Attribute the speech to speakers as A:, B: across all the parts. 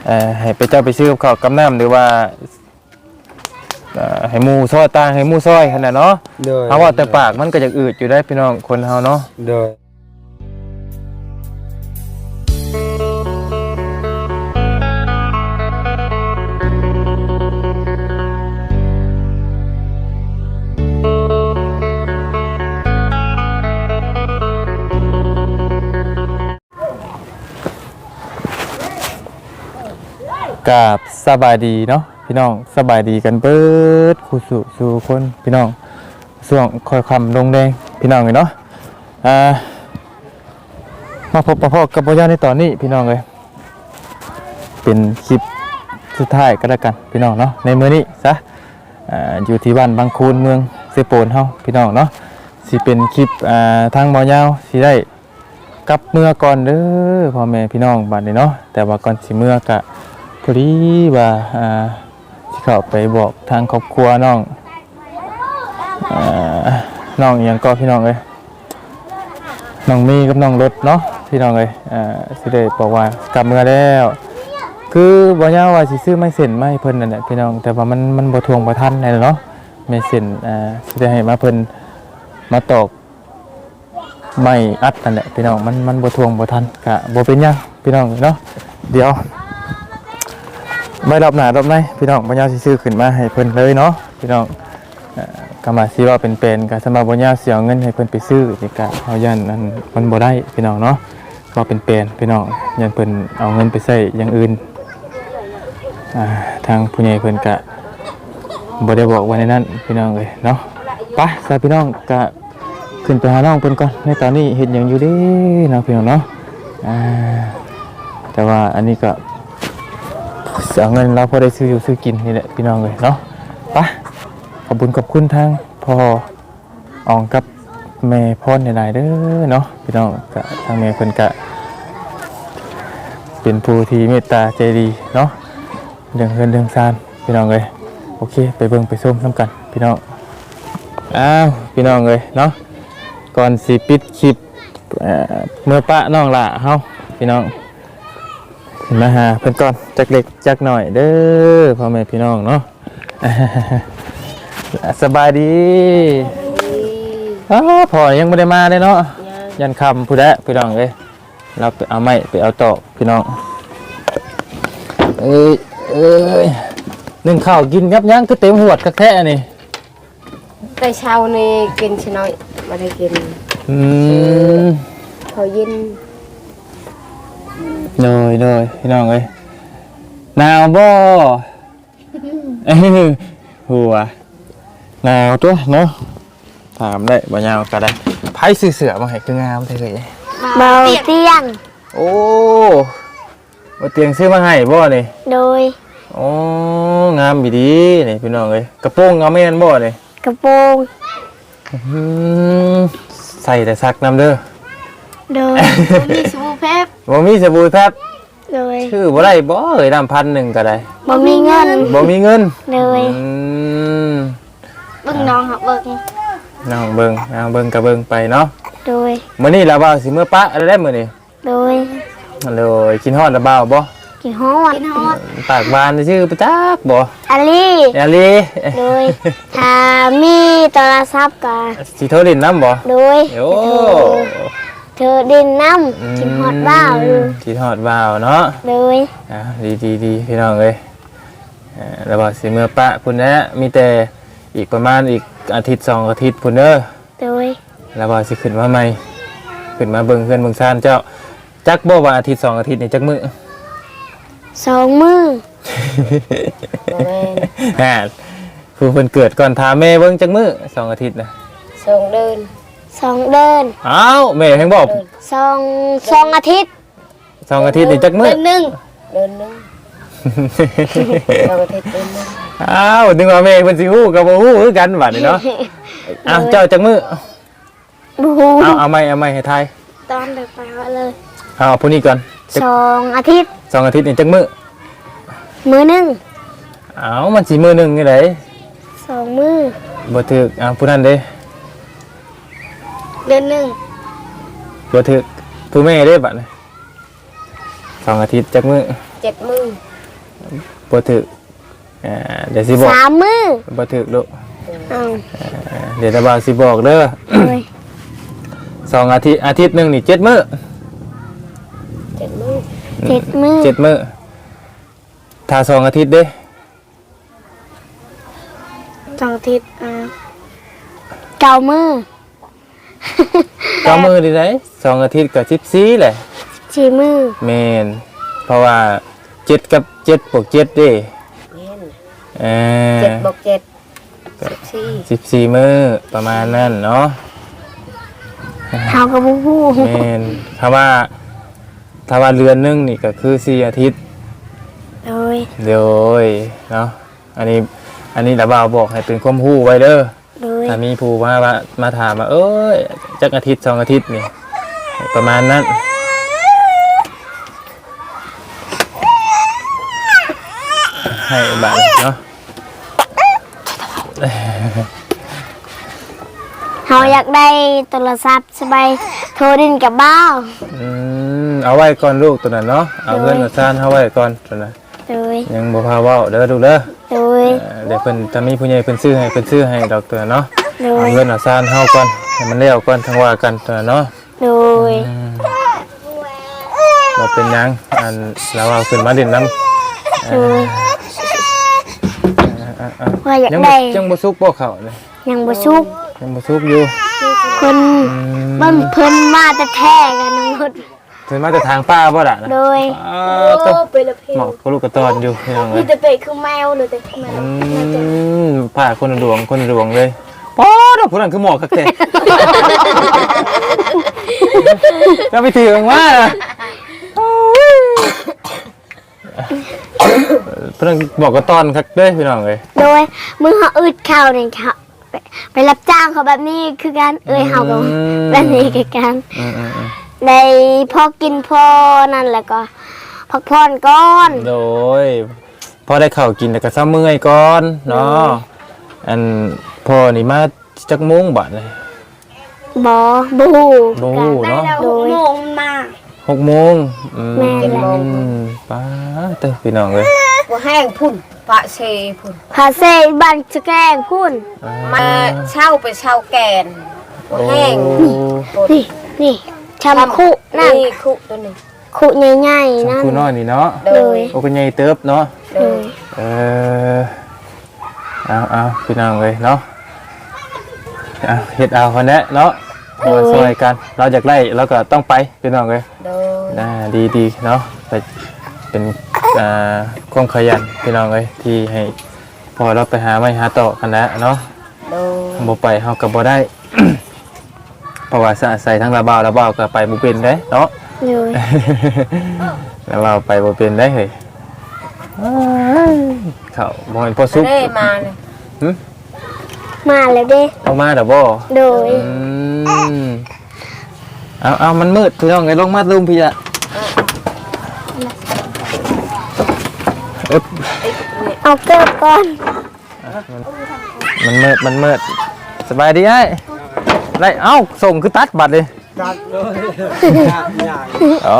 A: ให้ไปเจ้าไปซื้อข้าวกับน้ำหรือว่าให้หมูซอยตางให้หมูซอยขนาดเนาะเอาว่าแต่ปากมันก็จะอืดอยู่ได้พี่น้องคนเฮาเนาะ
B: โดย
A: กับสบายดีเนาะพี่น้องสบายดีกันเบิดคู่สู่คนพี่น้องส่วงคอยคำลงแดงพี่น้องเลยเนาะมาพบประพบกับพ่อย่าในตอนนี้พี่น้องเลยเป็นคลิปสุดท้ายก็แล้วกันพี่น้องเนาะในมื้อนี้ซะอยู่ที่บ้านบางคูนเมืองเซโปนเฮาพี่น้องเนาะสิเป็นคลิปทางบ่อยาวสิได้กลับเมื่อก่อนเด้อพ่อแม่พี่น้องบัดนี้เนาะแต่ว่าก่อนสิเมื่อกะพอดีว่าที่เขาไปบอกทางครอบครัวน้องอย่างก็พี่น้องเลยน้องมีกับน้องรถเนาะพี่น้องเลยสิได้บอกว่ากลับเมื่อแล้วคือบ่ยาวว่าสิซื้อไม่เส้นไม่เพิ่นนั่นแหละพี่น้องแต่ว่ามันบ่ทวงบ่ทันนั่นเนาะไม่เส้นสิได้ให้มาเพิ่นมาตอกไม่อัดนั่นแหละพี่น้องมันบ่ทวงบ่ทันกะบ่เป็นหยังพี่น้องเนาะเดี๋ยวไม่รอบหน้ารอบในพี่น้องบ่ยาวสิซื้อขึ้นมาให้เพิ่นเลยเนาะพี่น้องก็มาสิว่าเป็นก็สำหรับบ่ยาวสิเอาเงินให้เพิ่นไปซื้อนี่ก็เฮาย่านนั้นมันบ่ได้พี่น้องเนาะก็เป็นพี่น้องย่านเพิ่นเอาเงินไปใช้อย่างอื่นทางผู้ใหญ่เพิ่นก็บ่ได้บอกไว้ในนั้นพี่น้องเอ้ยเนาะไปซะพี่น้องก็ขึ้นไปหาน้องเพิ่นก่อนในตอนนี้เฮ็ดหยังอยู่เด้เนาะพี่น้องเนาะแต่ว่าอันนี้ก็เอาเงินเราพอได้ซื้ออยู่ซื้อกินนี่แหละพี่น้องเลยเนาะไปขอบคุณทางพ่ออองกับแม่พ่อในหลายเด้อเนาะพี่น้องกะทางแม่เพิ่นกะเป็นผู้ที่เมตตาใจดีเนาะเรื่องเงินเรื่องซานพี่น้องเลยโอเคไปเบิ่งไปส้มน้ำกันพี่น้องพี่น้องเลยเนาะก่อนสิปิดคลิปเมื่อปะน้องละเฮาพี่น้องมาหาเพิ่นก่อนจักเล็กจักหน่อยเด้อพ่อแม่พี่น้องเนาะสบายดีพ่อยังไม่ได้มาเลยเนาะยันคำผู้ใดพี่น้องเลยเราไปเอาไม้ไปเอาตอกพี่น้องนึ่งข้าวกินยับยั้งก็เต็มหัวดกระแทะนี่
C: แต่เช้านี่กินชิน้อยไม่ได้กินเขาเย็น
A: เลยพี่น้องเอ้ยหนาวบ่หัวหนาวตัวเนาะถามได้บ่ยาวก็ได้ไผซื้อเสื้อมาให้คืองามแท้เลย
C: เบาเตียง
A: โอ้บ่เตียงซื้อมาให้บ่นี่
C: โดย
A: โอ้งามอีดีนี่พี่น้องเอ้ยกระโปรงเอาแม่นบ่นี่
C: กระโปรง
A: ใส่แต่ซักน้ำเด้อ
C: โดยมีสบู่แพบ
A: บ่มีสบู่แพบ
C: โดย
A: ชื่อบ่ได้บ่เอ้ย1,000ก็ได้
C: บ่มีเงิน
A: โด
C: ยเบิ่งน้องครับเบิ่ง
A: น้องเบิ่งก็เบิ่งไปเนาะ
C: โดย
A: มื้อนี้ล่ะบ่าวสิมื้อปะอะไรได้มื้อนี้
C: โดย
A: กินฮอดละบ่าวบ่
C: กินฮอด
A: ปากบานชื่อประจักบ่
C: อาลีโดยถ้ามีโทรศัพท์ก็
A: สิโทรเล่นน้ำบ่
C: โดย
A: โอ้
C: เธอดินน้ำกินฮอดบ่าว
A: กินฮอดบ่าวเนาะ
C: โดย
A: ดีพี่น้องเอ้ยแล้วบ่สิมื้อปะพุ่นนะมีแต่อีกประมาณอีกอาทิตย์2อาทิตย์พุ่นเด้อ
C: โดย
A: แล้วบ่สิขึ้นมาใหม่ขึ้นมาเบิ่งเฮือนเบิ่งซ่านเจ้าจักบ่ว่าอาทิตย์2อาทิตย์นี่จักมื้อ
C: 2 มื้อ
A: ผู้เพิ่นเกิดก่อนถามแม่เบิ่งจักมื้อ2อาทิตย์น่ะ
C: 2 เดือน
A: อ้าวแม่แฮงบอก
C: 2 อาทิตย์
A: 2 อาทิตย์นี่จักมื้อ
C: เดือนนึง2 อาทิตย์เดือนนึง
A: อ้าวนึกว่าแม่เพิ่นสิฮู้ก็บ่ฮู้คือกันบัดนี้เนาะอ้าวเจ้าจักมื้อ
C: บ่ฮู้
A: เอาใหม่ให้ทาย
C: ตอนเด็กไปเลย
A: เอาผู้นี้ก่อน
C: 2 อาทิตย์
A: 2 อาทิตย์นี่จักมื้อ
C: มื้อนึง
A: อ้าวมันสิมื้อนึงนี่ได
C: 2 มื้อ
A: บ่ถูกผู้นั้นเด้
C: เดือนนึง
A: บ่ถูกผู้แม่เด้บัดนี้2 อาทิตย์จักมื้อ
C: 7 มื้อ
A: บ่ถึกเดี๋ยวสิบอก
C: 3 มื้อ
A: บ่ถึกลูก
C: เอา
A: เดี๋ยวตาบ่าวสิบอกเด้อ
C: โดย
A: 2 อาทิตย์หนึงนี่7 มื้อ
C: 7 มื้อ
A: 7 มื้อถ้า2 อาทิตย์เด้
C: 2 อาทิตย์9 มื้อ
A: 9 มื้อดีได้2 อาทิตย์ก็14แหละ
C: 4 มื้อ
A: แม่นเพราะว่า7กับ7บวก7เด้เออ
B: 7 บวก 7
A: 14 มื้อประมาณนั้นเนาะ
C: เฮาก็บ่ฮู้
A: แม่นถ้าว่าเดือนหนึงนี่ก็คือ4 อาทิตย์
C: โดย
A: เดี๋ยวเนาะอันนี้ระบ่าวบอกให้เป็นความรู้ไว้เด้อ
C: โดย
A: ถ้ามีผู้มาถามว่าเอ้ยจักอาทิตย์2 อาทิตย์นี่ประมาณนั้นให้บัตรเนาะ
C: เฮาอยากได้โทรศัพท์สบายโทรดินกับบ้าว
A: เอาไว้ก่อนลูกตัวนั้นเนาะเอาเงินเอาซ่านเอาไว้ก่อนตัวนั้น
C: โดย
A: ยังบ่พาเว้าเด้อลูกเด้อ
C: โดย
A: เดี๋ยวเพิ่นถ้ามีผู้ใหญ่เพิ่นซื้อให้ดอกตัวนั้นเนาะ
C: โด
A: เอา
C: ย
A: เงินเอาซ่านเฮาก่อนให้มันแล้วก่อนทั้งว่ากันตัวนั้นเนาะ
C: โดย
A: เราเป็นหยังเราเอาขึ้นมาเด่นน้ำ
C: โดยว่าอยาก
A: ยัง
C: ได้
A: ยังบ่ซุกบ่เข้าเลย
C: ยังบ่ชุก
A: ยังบ่ซุกอยู่
C: คนบ้านเพิ่นมาแต่แท้กันทั้งหมด
A: เพิ่นมาจากทางป้าบ่ล่ะนะ
C: โดย
A: ต้อง
B: ไปละเพล
A: เหมาะกับลูกกระตอนอยู่พี่น้องเล
B: มี
A: ย
B: แต่เป็ดคือแมวเลยแต่แมว
A: ผ้าคนละดวงเลยป๊อดผู้นั้นคือหมอกคักแท้จะไปถือว่าเพิ่นบอกกระตอนคักเด้พี่น้องเลย
C: โดยมือเฮาอึดข้าวนี่ค่ะไปรับจ้างเขาแบบนี้คือการเฮาก็แบบนี้คือการ ในพอกินพอนั่นแหละก็พักผ่อนก่อน
A: โดยพอได้ข้าวกินแต่ก็ซ้ำเมื่อยก่อนเนาะอันพ่อนี่มาจักโมงบัดเลย
C: บอบู
A: บ่ฮู้เนาะ
C: โดย
B: โมงมา
A: 6 โมง
C: แม่น
A: ป้าเต้พี่น้องเลย
B: บ่แห้งพุ่นปะเชพุ่น
C: พาเซบันจะแกล้งพุ่น
B: มาเช่าไปเช่าแกนบ่แห้ง
C: นี่นี่ชำคุนั่น
B: นี่คุตัวนึง
C: คุใหญ่ๆนั่น
A: คู่น้อยนี่เนาะ
C: โดย
A: โอ้ก็ใหญ่เติบเนาะ
C: โดย
A: เออเอาพี่น้องเลยเนาะเฮ็ดเอาคนนี้เนาะมาช่วยกันเราอยากไล่เราก็ต้องไปพี่น้องเลย
B: โดย
A: ดีเนาะแต่เป็นความขยันพี่น้องเลยที่ให้พอเราไปหาไม่หาต่อกันแล้วเนาะ
B: โดย
A: บ่ไปเฮาก็บ่ได้ เพราะว่าใส่ทั้งระเบ้าก็ไปบ่เป็นเด้เนาะ
C: โดย
A: ระเบ้าไปบ่เป็นได้เฮ้ยเขาบ่เห็นพอซุก
B: ได้มาเลย
C: มาแล้วเด้
A: เอามาดอกบ่
C: โดย
A: เอามันมืดพี่น้องไงลงมาลุมพี่ละอึ๊บ
C: เอาเกิบก่อน
A: มันมืดสบายดีไอ้ไรเอ้าส่งคือตัดบัตรเลย
D: ตัดเลยอย่าง
A: อ๋อ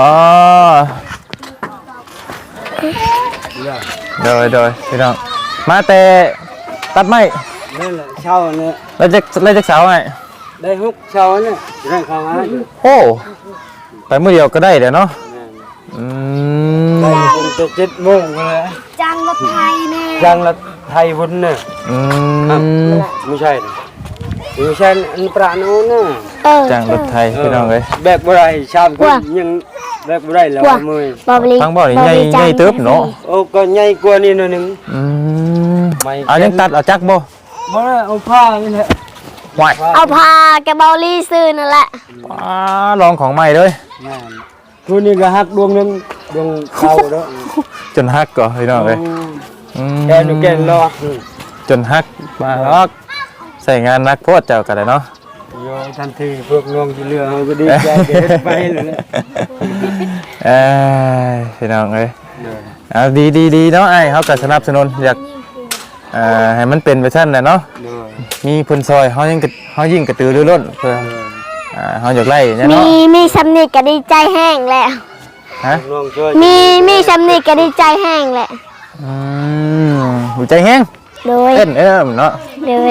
A: โดยพี่น้องมาแต่ตัดไม้
D: นั่นแหละเช่าเนี่ย
A: แล้วจะเสาไง
D: ได้ฮุกเช่าเนี่ยเรื่องเขาให้อยู่
A: โอ้ไปมื้อเดียวก็ได้เดี๋ยวเนาะอืม
D: ได้คงจะ7 โมงเลย
C: จังรถไทยแน่
D: จังละไทยวุ้นเนี่ย
A: อืม
D: ไม่ใช่ดิไม่ใช่อันประโนนน่ะ
A: จ้างรถไทยพี่น้องเลย
D: แบบบ่ได้ชามก็ยังแบบบ่ได้แล้วมือบ
C: อบลี
A: ฟังบ่นี่ใหญ่เติบเนาะ
D: โอ้ก็ใหญ่กว่านี้หน่อยนึง
A: อืมเอายังตัดเอาจักบ่
D: บ่ได้เอาผ้านี่แหละ
A: ไหว
C: เอาพาแกบอลลี่ซื้อนั่นแหละ
A: ลองของใหม่เลย
D: ตัวนี้ก็หักดวงนึงดวงเข้าเด้อ
A: จนฮักก่อนพี่น้องเลย
D: แกนูแกนรอ
A: จนฮักมาล็อกใส่งานนักโพดเจ้ากันเลยเนาะ
D: โยทันทีพวกน้องที่เหลือเขาก็ดีใจเด็ดไปเลย
A: พี่น้องเลยเอาดีเนาะไอ้เขาก็สนับสนุนอยากให้มันเป็นเวอร์ชันน่ะเนาะมีพลซอยเขายิ่งกระตือรือร้นเพื่อเขาอยากไล่เนี่ยเนาะ
C: มีสำนึกก็ดีใจแห้งแหละ
A: ฮะ
D: น้องช่วย
C: มีสำนึกก็ดีใจแห้งแหละ
A: หัวใจแห้ง
C: โดย
A: เต้นเนาะ
C: โดย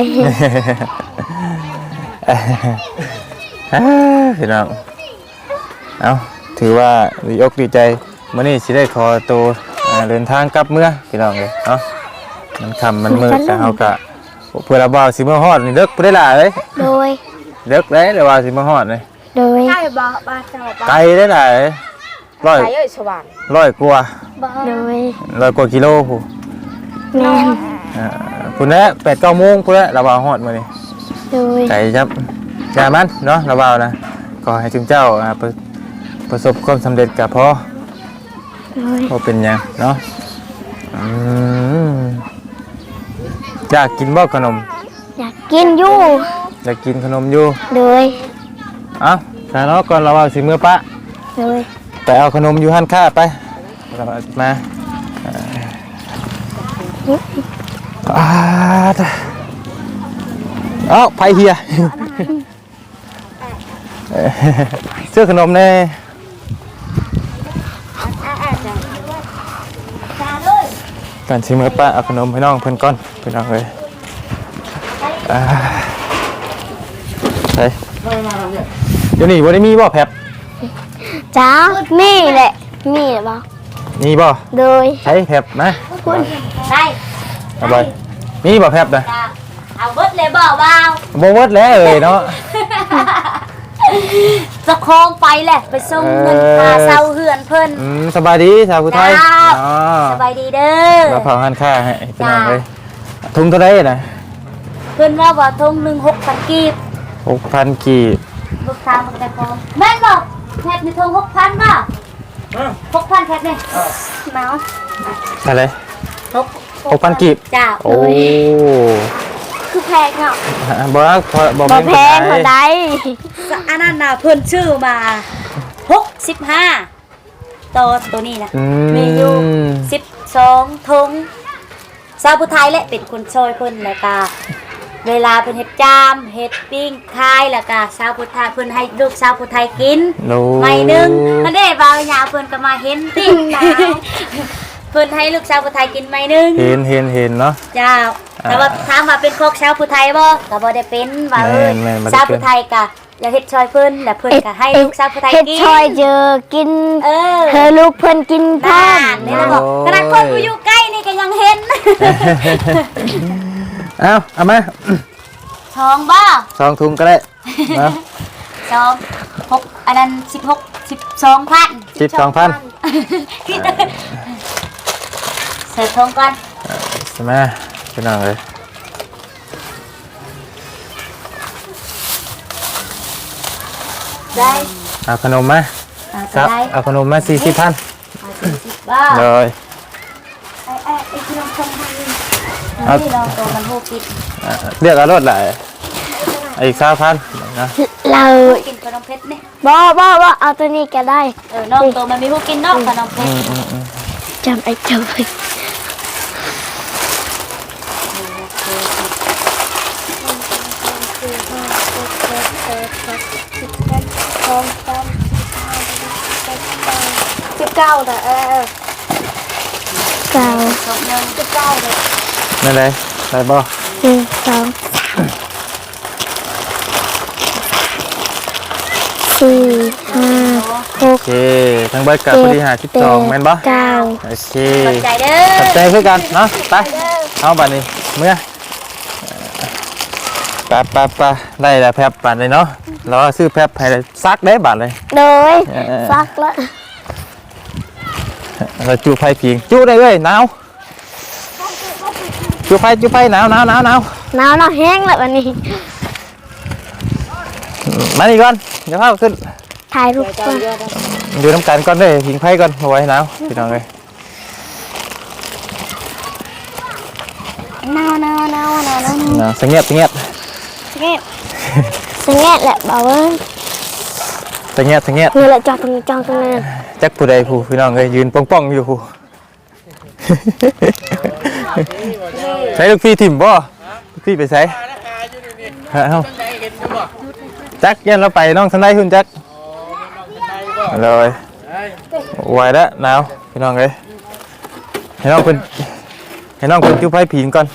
A: พี่น้องเอาถือว่าดีอกดีใจมื้อนี้สิได้ขอตัวเดินทางกลับเมื่อพี่น้องเลยเนาะมันค่ำมันมืดแต่เฮาก็เพื่อเราบ่าวสิมาฮอดนี่เลิกบ่ได้ล่ะเอ้ย
C: โดย
A: เลิกได้แล้วว่าสิมาฮอดนี่
C: โดย
B: ใช่บ่บ้านเจ้าบ้าน
A: ไกลได้ล่ะเอ้ย
B: ไกลเอ้ยสว่าง
A: 100กว่า
C: โดย
A: 100กว่ากิโลพู้
C: แม่น
A: พุ่นแหละ8-9 โมงพุ่นแหละเราบ่าวฮอดมื้อนี้
C: โดย
A: ไก่ครับอย่ามันเนาะเราเบานะขอให้ถึงเจ้าประสบความสำเร็จกับพ่อ
C: โดย
A: พ่อเป็นหยังเนาะอยากกินบ่ขนม
C: อยากกินอยู่
A: อยากกินขนมอยู่
C: โดย
A: เอ้าแต่เนาะก่อนเราเอาสิมือปะ
C: โดย
A: ไปเอาขนมอยู่ห้านค้าไปเรามาเอ้าไผเฮียเสื้อขนมแน่การชิมเมื่อป้าเอาขนมให้น้องเพื่อนก้อนเพื่อนน้องเลยไปเดี๋ยวนี้วันนี้มีบ่แพบ
C: จ้ามีแหละมีแหละบ่
A: มีบ่
C: โดย
A: ใช้แพบนะ
B: ได้
A: เอาไปมีบ่แพบนะ
B: เอาเบิดเลยบ่บ่าว
A: บ่เวิร์ดแล้วเลยเนาะ
B: จะคองไปแหละไปส่งเงินค่าเช่าเฮือนเพิ่น
A: สบายดีชาวพุทธไทย
B: จ้า
A: อ๋อ
B: สบายดีเด้อ
A: เราเผาหันค่าให้พี่น้องเลยทุงเท่าไรนะ
B: เพิ่นว่าบ่ทงหนึ่ง6,000กีบ
A: 6,000 กีบ
B: ลูกค้ามันแต่พอแม่นบ่แพทย์มีทง6,000บ่6,000แพทย์นี่เมาส์
A: อะไร 6,000 กีบ
B: จ้า
A: โอ้
C: คือแพงเนาะ
A: บ่รักพอบ่
C: บ่
A: แม่น
C: แพง
A: ปา
C: เท่าน
A: ใด
C: ใด
B: อันนั้นน่ะเพิ่นชื่อมา65ตัวนี้นะ มีอยู่12ทงชาวพุทธไทยแหละเป็นคนช่วยเพิ่นแล้วก็เวลาเพิ่นเฮ็ดจามเฮ็ดปิ้งคายแล้วก็ชาวพุทธไทยเพิ่นให้ลูกชาวพุทธไทยกิน
A: โน้
B: ไม่หนึงมันได้บ่าวยาเพิ่นก็มาเห็นติเพิ่นให้ลูกชาวพุทธไทยกินไม่หนึง
A: เห็นเนาะ
B: เจ้าแต่ว่าถามว่าเป็นโคกชาวพุทธไทยบ่ก็บ่ได้เป็นว่า
A: แม่นบ่ได้เป็น
B: ชาวพุทธไทยก็อยากเฮ็ดช่วยเพิ่นแล้วเพิ่นก็ให้ลูกชาวพุทธไทย
C: เฮ็ด
B: กิน
C: ชอยเจอกิน
B: เออ
C: เธอลูกเพิ่นกินพร้อ
B: บ้าม นนี่เราบอกขนาดคนกูอยู่ใกล้นี่ก็ยังเห็น
A: เอามา
B: ทองบ้า
A: 2 ถุงก็ได้เนาะ
B: 6อันนั้น12,000
A: 12,000
B: เสิร์ฟทองก่อน
A: ใช่ไหมพี่น้องเลย
B: ได้
A: เอาขนมมาค
B: ก็
A: รับ
B: ได้
A: เอาขนมมา 40,000
B: 40บ้า
A: เลย
B: ไอ้ที่น้องทำให้นี่ลองตัวมันโหกิน
A: เรียกเอารถหลายอีก3,000นะ
C: เรา
B: กินขนมเพชรนี่
C: บ่เอาตัวนี้ก็ได้
B: น้องตัวมันมีโหกินน้องขนมเพชร
C: จำไอ้เจ้าไว้ 19น่ะเก้า
B: สองยัง19เลย
A: นั่นเลยได้บ่
C: 1 2 4 5
A: โอเคทั้งเบิดกับพอดี52แม่นบ่
C: 9
A: โอเค
B: ขอบใจเด้
A: ขอบใจ
B: อ
A: เพื่อกันเนาะไปเอาบัดนี้เมื่อไปได้แล้วแพบบัดนี้เนาะเราซื้อแพบให้ซักได้บัดเลย
C: โดยซักแล้ว
A: เราจูไฟผิงจูได้เลยหนาวจูไฟหนาว
C: หนาวเนาะแห้งแล้ววันนี้
A: มานี่ก่อนเดี๋ยวพาขึ้น
C: ถ่ายรูปก่อน
A: อยู่น้ำกันก่อนเลยผิงไฟก่อนเอาไว้หนาวพี่น้องเลย
C: หนาว
A: หนาวเงียบ
C: สงบแหละบ่าวเอ้ย
A: เงียบ
C: นี่แหละจอดตรงนี้
A: จักผู้ใดผู้พี่น้องเลยยืนป้องอยู่ผู้ ใช้ลูกพี่ถิ่มบ่ลูกพี่ไปใช้เอ้าจักยันเราไปน้องทันได้คุณจักเลยไหวแล้วหนาวพี่น้องเลยให้น้องเป็นให้น้องเพิ่นจุ๊บไฟผิงก่อน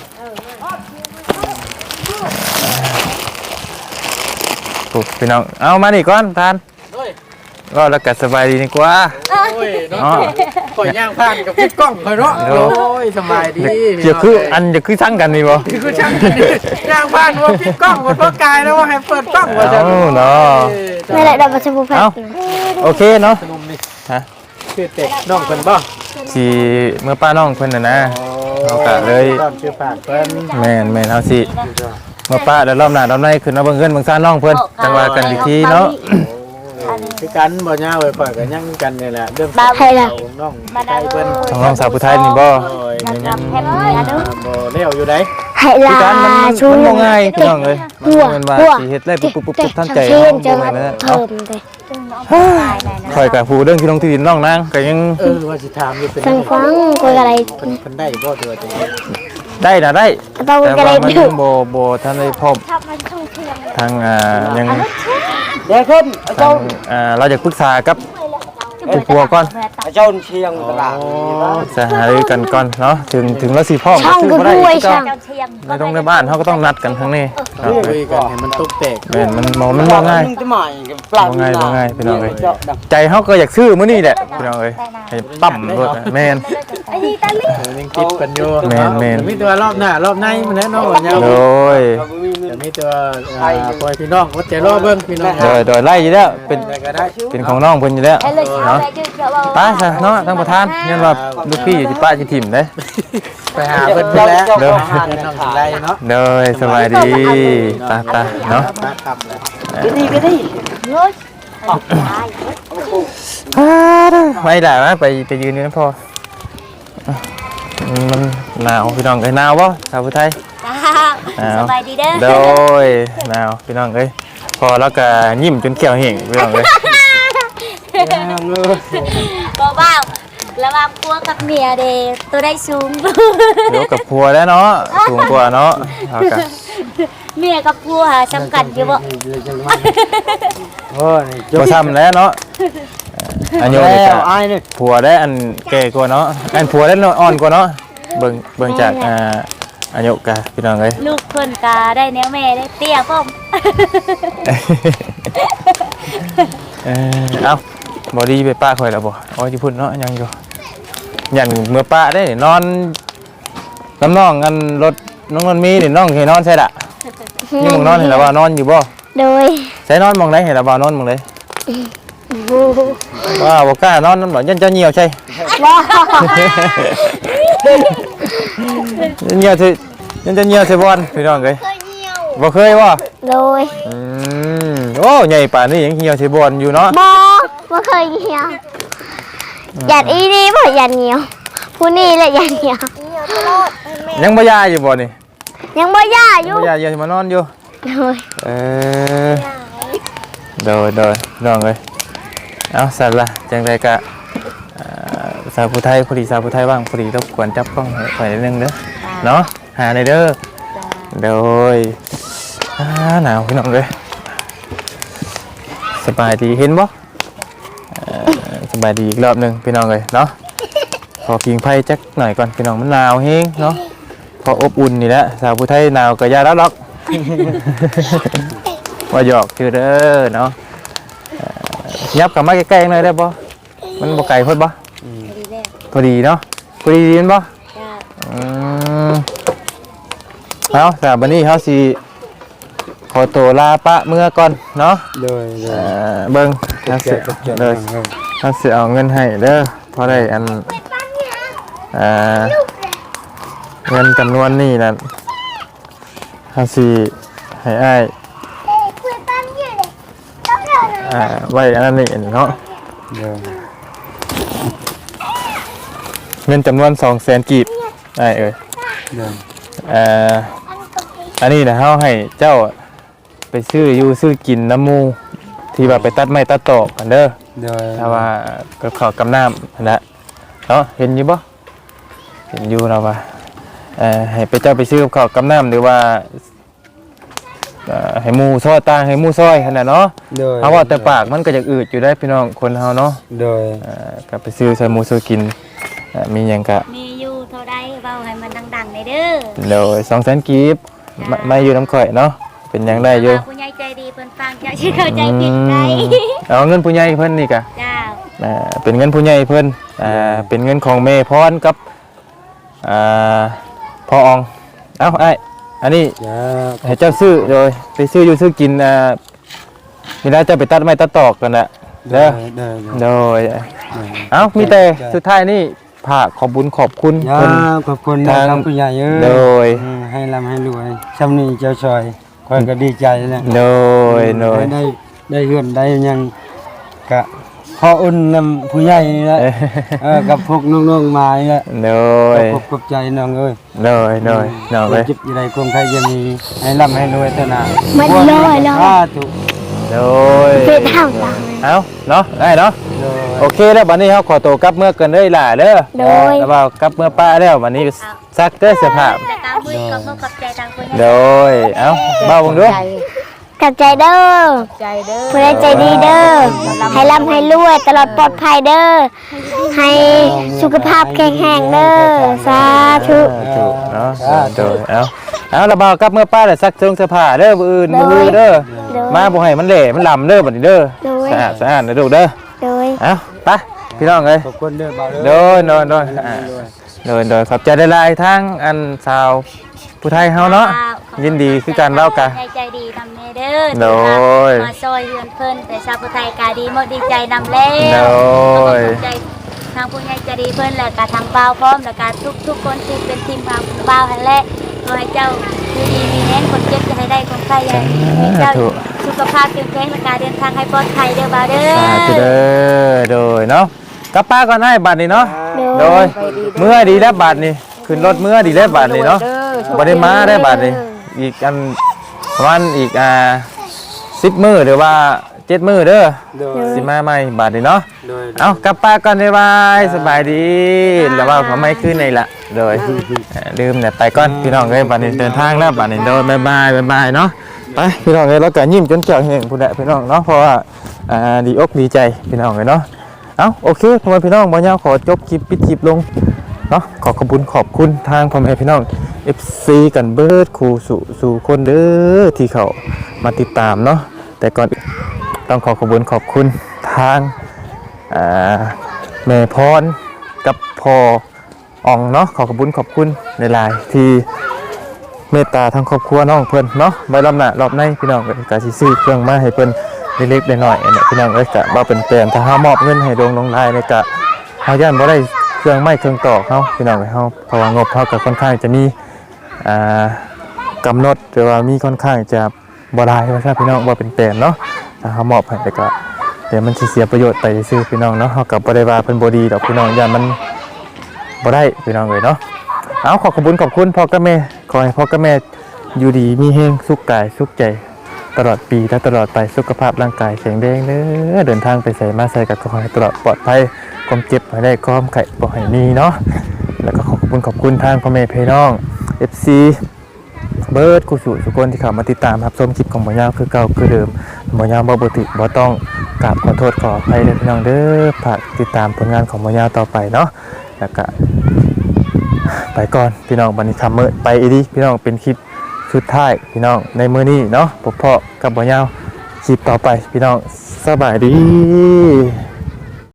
A: ปุ๊บพี่น้องเอามานี่ก่อนทานก็แล้วก็สบายดีนี่กว่า
D: โอ้ยเนาะข่อยย่างผ่านกับพี่กล้องข่อยเนาะโอ้ยสบายดี
A: เดี๋ยวคืออันเดี๋ยวคือสั่งกันนี่บ่
D: คือช่างย่างผ่านว่าพี่กล้องว่าพ่อกายแล้วว่าให้เปิดกล้องว่าจะ
A: เนาะ
C: ไม่ได้ดับมาชมพูแพท
A: เอาโอเคเนาะ
D: ขนมนี่
A: ฮะ
D: ชื่อเต็กน้องเพิ่นบ่
A: สิเมื่อป้าน้องเพิ่นน่ะนะ เอากะเลย
D: ตอนชื่อฝากเพิ่น
A: แม่นเฮาสิเมื่อป้าแล้วรอบหน้ารอบในขึ้นมาเบิ่งเงินเบิ่งซ่านน้องเพิ่นจังว่ากันอีกทีเนาะ
D: คือกันบ่ย่าไว้ข่อยก็ยังกันนี่แหละเรื่อง
C: ใครล่ะ
D: น้องไทยเพิ่น
A: ของน้องสาวผู้ไทยนี่บ่
D: โอ้ย
B: นั
D: ยั
B: บ
D: ง
B: แฮปปี้นะดู
D: บ่เลี้ยวอยู่ได
C: ให้
A: คือ
C: ลา
A: การมัน
C: ชู
A: บ่ง่ายพี่น้องเอ้ย
C: หัว
A: มันว่า
C: หัว
A: สิเฮ็ดได้ปุ๊บทันใจ
C: ชื่นจะ
A: บ่
C: มา
A: แม่นนั่น
C: เพิ่
A: เนาะ
C: มเลย
A: ข่อยก็ผู้เรื่องที่ลงที่ดินน้องนางก็ยัง
D: ว่าสิถามอยู่เป็น
C: สังฟังกูอะไร
D: เพิ่นได้บ่ตัวจัง
A: ได้น่ะได้
C: ต้อง
A: แต่
C: กูอะไร
A: ว่ามัน
C: ดู
A: ยังบ่ทันได้พร้อมทางยัง
D: เดี๋ยวขึ้น
A: ทางเราจะปรึกษากับผู้ปัวก่อน
D: เจ้าเชียงตลาด
A: จะหารือกันก่อนเนาะถึงแล้วสิพร้อม
C: ช่าง
A: ซื้
C: กู
A: บ่ได้
C: ด้วย
A: เจ้า
C: ช่าง
B: เจ้าเชียง
A: ในตรงในบ้านเขาก็ต้องนัดกันทั้งนี้ครับ
D: คุยกันให้มันตกแตก
A: แม่นมันบ่ง่ายบ่ง่ายพี่น้องเอ้ยใจเขาก็อยากซื้อมื้อนี้แหละพี่น้องเอ้ยให้ปั๊มรถอะแม่น
D: ยังคิดกันอยู่
A: แม่น
D: มีตัวรอบหน้ารอบในมันแน่นอนยาว
A: โดย
D: จะมีตัวปล่อยพี่น้องวัดใจรอเบิ่งพี่น้อง
A: โดยไล่อยู่แล้วเป็น
D: ก็ได้
A: เป็นของน้องเพิ่นอยู่แล้ว
B: ไอ้เลยเช้า
A: เนาะ
B: ไปยืดเยอะว่า
A: ป้าซะเนาะท่านประธานยันว่าลูกพี่อยู่ที่ป้าสิถิ่มเด้
D: ไปหาเพิ่นแล้ว
A: เด้อ
D: น้องสิไล่เนาะ
A: โดยสบายดีตาเนาะ
D: มาคำเลย
A: ไม่ได้ไหมไปยืนอยู่นั่นพอมันหนาวพี่น้องเอ้ยหนาวบ่ชาวพุทธไทย
B: สบายดีเด้อ
A: โดยหนาวพี่น้องเอ้ยพอแล้วก็ยิ้มจนแก้วเห่งพี่น้องเอ้ย
B: บ่บ้าระวังพัวกับเมียเด้ตัวได้สูง
A: เดี๋ยวกับพัวแล้วเนาะสูงกว่าเนาะเอากัน
B: เมียกับพัวสำคัญอยู่บ่
D: โอ้ย
A: บ่ทำแล้วเนาะอันโยนี่ก็
D: อ้ายนี่
A: ผัวได้อันแก่กว่าเนาะอันผัวได้อ่อนกว่าเนาะเบิ่งจากอายุกะพี่น้องเอ้ย
B: ลูกเพิ่นก็ได้แนวแม่ได้เตี้ยพร้อม
A: เอาบอดี้ไปป้าคอยแล้วบ่โอ้ยที่พูดเนาะยังอยู่ยันเมื่อป้าได้นี่นอนน้ำน้องกันรถน้องนนมีนี่น้องเห็นนอนใช่ละนี่มึงนอนเห็นแล้วว่านอนอยู่บ่
C: โดย
A: ใส่นอนมองไหนเห็นแล้วว่านอนมองไหนว่าบ่กล้านอนนั่นบ่ยันเจ้าเหี่ยวใช่
C: ว้า
A: ยันเหี่ยวสิยันเจ้าเหี่ยวใส่บอลพี่น้องเอ้ยบ่เคยบ่
C: โดย
A: โอ้ใหญ่ป่านนี้ยังเหี่ยวใส่บอลอยู่เนาะ
C: บ่เคยเหี่ยวหยัดอีนี่บ่หยัดเหี่ยวผู้นี่แหละหยัดเหี่ยว
A: ยังบ่ยาอยู่บ่นี่
C: ยังบ่ย่าอยู่
A: บ่ยาอยู่มานอนอยู่
C: โดย
A: โดยน้องเอ้ยเอาสั่นละจังไดกะสาวผู้ไทยพอดีสาวผู้ไทยว่างพอดีรบกวนจับกล้องให้ข่อยนิดนึงเด้อเนาะหาในอยเด้อโดยหนาวพี่น้องเอ้ยสบายดีเห็นบ่สบายดีอีกรอบหนึงพี่น้องเอ้ยเนาะขอพิงไพ่จักหน่อยก่อนพี่น้องมันหนาวเฮงเนาะพออบอุ่นนี่แหละสาวผู้ไทยหนาวก็อย่ารับหรอก ว่าหยอกคือเด้อเนาะยับกลับมาใกล้ๆหน่อยได้บ่มันบ่ไกลโพดบ่พอดีเนาะพอดีดีนบ่เอาแต่บัดนี้เฮาสิขอตัวลาปะเมื่อก่อนเนาะ
D: เลย
A: เบิ่งเฮาสิเด้อเฮาสิเอาเงินให้เด้อพอได้อันเงินจำนวนนี้นั่นเฮาสิให้อ้ายไว้อันนั้นนี่เนาะเงินจำนวน 200,000 กีบได้เอ้ยอันนี้นะเฮาให้เจ้าไปซื้ออยู่ซื้อกินน้ำมูที่ว่าไปตัดไม้ตัดตอกกันเด้อถ้าว่าก็ขอกำน้ำนั่นแหละเนาะเห็นอยู่บ่เห็นอยู่เราว่าให้ไปเจ้าไปซื้อกับข้าวกำน้ำหรือว่าให้หมูซอยตางให้หมูซอยขนาดเนาะเพราะว่าแต่ปากมันก็จะอืดอยู่ได้พี่น้องคนเฮาเนาะก็ไปซื้อใส่หมูซื้อกินมีหยังก็
B: มีอยู่เท่าใดเว้าให้มันดังเด้อ
A: โดย200,000กีบไม่อยู่น้ำข่อยเนาะเป็นหยังได้อยู่
B: ผู้ใหญ่ใจดีเพิ่นฟังจะเข้าใจผิดได้
A: เอาเงินผู้ใหญ่เพิ่นนี่กะ
B: เจ้า
A: เป็นเงินผู้ใหญ่เพิ่นเป็นเงินของแม่พรกับพ่ออองเอ้าไอ้อันนี้ให้เจ้าซื้อโดยไปซื้ออยู่ซื้อกินมีได้จะไปตัดไม้ตัดตอกกันแหละเด้อโดยเอ้ามีแต่สุดท้ายนี่ฝากขอบบุญขอบคุณเพิ่น
E: ขอบคุณนะครับผู้ใหญ่เอ้
A: โด
E: ย
A: ย
E: ให้ร่ำให้รวยช่ำนี้เจ้าชอยคอยก็ดีใจนะ
A: โดยโดย
E: ได้เฮือนได้หยังกะขออุ่นนำผู้ใหญ่นี่แหละกับพวกน้องๆมานี่แหละ
A: โดย
E: ขอบใจน้องเอ้ย
A: โดยโดยน้องเลย
E: จิบอยู่ในกรุงไทยจะมีให้ร่ำให้รวยเท่านั้น
C: มันลอย
E: ถูก
A: โดย
C: เป็นทางต่าง
A: เอาเนาะได้เนาะ
E: โดย
A: โอเคแล้วบัดนี้เขาขอตัวกลับเมื่อกันเลยล่ะเด้อ
C: โดย
A: แล้วว่ากลับเมื่อป้าแล้วบัดนี้ซักเด้อเสื้อผ้า
B: แต่ตามมือขอบใจทางผู้ใหญ่
A: โดยเอ้าเบาเบิ่งดู
C: กับใจเด้อผู้ใดใจดีเด้อให้ร่ำให้รวยตลอดปลอดภัยเด้อให้สุขภาพแข็งแรงเด้อสาธุ
A: ถูกเนาะโดยเอาแล้วเบากลับเมื่อป้าแล้วซักเสื้อผ้าเด้อมื้ออื่นมื้อเด้อ
C: โดย
A: มาบ่ให้มันเละมันลำเด้อบัดนี้เด้อ
C: โดย
A: สะอาดนะลูกเด้อ
C: โดย
A: เอาไปพี่น้องเอ้ย
E: ขอบคุณเด้อบ่าว
A: โดยโดยขอบใจหลายๆทั้งอันสาวผู้ไทยเฮาเนาะยินดีคือการเล่ากะ
B: ใจดีนำเด้อ
A: โดย
B: มาซอยเฮือนเพิ่นแต่ชาวพุทธไทยกาดีหมดดีใจนำแล้ว
A: โดย
B: ขอบใจทางผู้ใหญ่ใจดีเพิ่นแล้วก็ทางบ่าวพร้อมแล้วก็ทุกคนที่เป็นทีมงานบ่าวหั่นแหละขอให้เจ้าอยู่ดีมีแรงคนเจ็บจะให้ได้คนไข้อย่าให้เจ้าสุขภาพเข้มแข็งและการเดินทางให้ปลอดภัยเด้อบ่าวเด้อ
A: สาธุเด้อโดยเนาะกลับป้าก่อนให้บัตรนี่เนาะโดยเมื่อดีแล้วบัตรนี่ขึ้นรถเมื่อดีแล้วบัตรนี่เนาะบ่ได้มาได้บัตรนี่อีกอันประมาณอีก10 มื้อหรือว่า7 มื้อเด้อ
E: โดย
A: สิมาใหม่บัตรนี่เนาะ
E: โดย
A: เอากลับป้าก่อนบ๊ายบายสบายดีแล้วว่าเขาไม่ขึ้นในละโดยลืมเนี่ยไปก่อนพี่น้องเอ้ยบัตรนี่เดินทางแล้วบัตรนี่โดยบ๊ายบายเนาะไปพี่น้องเอ้ยแล้วก็ยิ้มจนเจ้าแห้งผู้ใดพี่น้องเนาะเพราะว่าดีอกดีใจพี่น้องเลยเนาะเอาโอเคพ่อแม่พี่น้องบ่ยาวขอจบคลิปปิดคลิปลงเนาะขอบคุณทางพ่อแม่พี่น้อง FC กันเบิดครูสู่คนเด้อที่เขามาติดตามเนาะแต่ก่อนต้องขอบคุณทางแม่พรกับพ่ออ่องเนาะขอบคุณหลายๆที่เมตตาทางครอบครัวน้องเพิ่นเนาะไว้รอบหน้ารอบในพี่น้องก็สิซื้อเครื่องมาให้เพิ่นเล็กๆน้อยๆเนี่ยพี่น้องเอ้ยก็บ่เป็นแปลนถ้าเฮามอบเงินให้ลงลายเนี่ยก็เฮาย่านบ่ได้เครื่องไม้เครื่องตอกเฮาพี่น้องเอ้ยเฮาเพราะว่างบเฮาก็ค่อนข้างจะมีกำหนดหรือว่ามีค่อนข้างจะบ่ได้ว่าซั่นพี่น้องบ่เป็นแปลนเนาะถ้าเฮามอบให้แต่ก็เดี๋ยวมันสิเสียประโยชน์ไปซื่อพี่น้องเนาะเฮาก็บ่ได้ว่าเพิ่นบ่ดีดอกพี่น้องย่านมันบ่ได้พี่น้องเอ้ยเนาะเอาขอบคุณพ่อกับแม่ขอให้พ่อกับแม่อยู่ดีมีแฮงสุขกายสุขใจตลอดปีและตลอดไปสุขภาพร่างกายแข็งแรงเด้อเดินทางไปไสมาไสก็ขอให้ตลอดปลอดภัยความเจ็บบ่ได้ความไข้บ่ให้มีเนาะแล้วก็ขอบคุณทางพ่อแม่พี่น้อง FC เบิร์ดกูสู่ทุกคนที่เข้ามาติดตามรับชมคลิปของบ่ยาวคือเก่าคือเดิมบ่ยาวบ่ติบ่ต้องกราบขอโทษขออภัยเด้อพี่น้องเด้อฝากติดตามผลงานของบ่ยาวต่อไปเนาะแล้วก็ไปก่อนพี่น้องบัดนี้ทำมื้อไปอีดีพี่น้องเป็นคลิปสุดท้ายพี่น้องในมื้อนี้เนาะพบเพาะกับบ่ยาวคลิปต่อไปพี่น้องสบายดี